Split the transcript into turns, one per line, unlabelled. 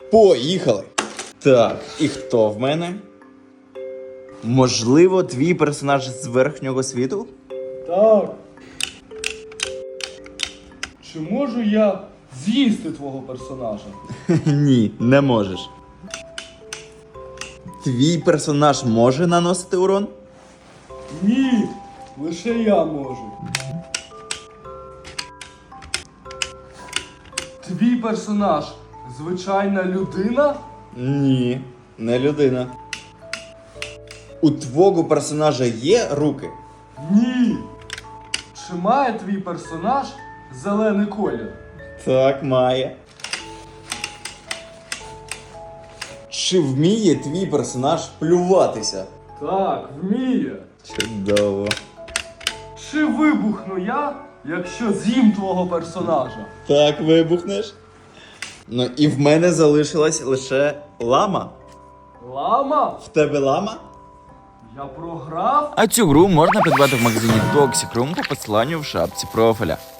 Поїхали! Так, і хто в мене? Можливо, твій персонаж з верхнього світу?
Так. Чи можу я з'їсти твого персонажа?
Ні, не можеш. Твій персонаж може наносити урон?
Ні, лише я можу. Твій персонаж звичайна людина?
Ні, не людина. У твого персонажа є руки?
Ні. Чи має твій персонаж зелений колір?
Так, має. Чи вміє твій персонаж плюватися?
Так, вміє.
Чудово.
Чи вибухну я, якщо з'їм твого персонажа?
Так, вибухнеш. Ну і в мене залишилась лише лама.
Лама?
В тебе лама?
Я програв?
А цю гру можна придбати в магазині Toxic Room по посиланню в шапці профіля.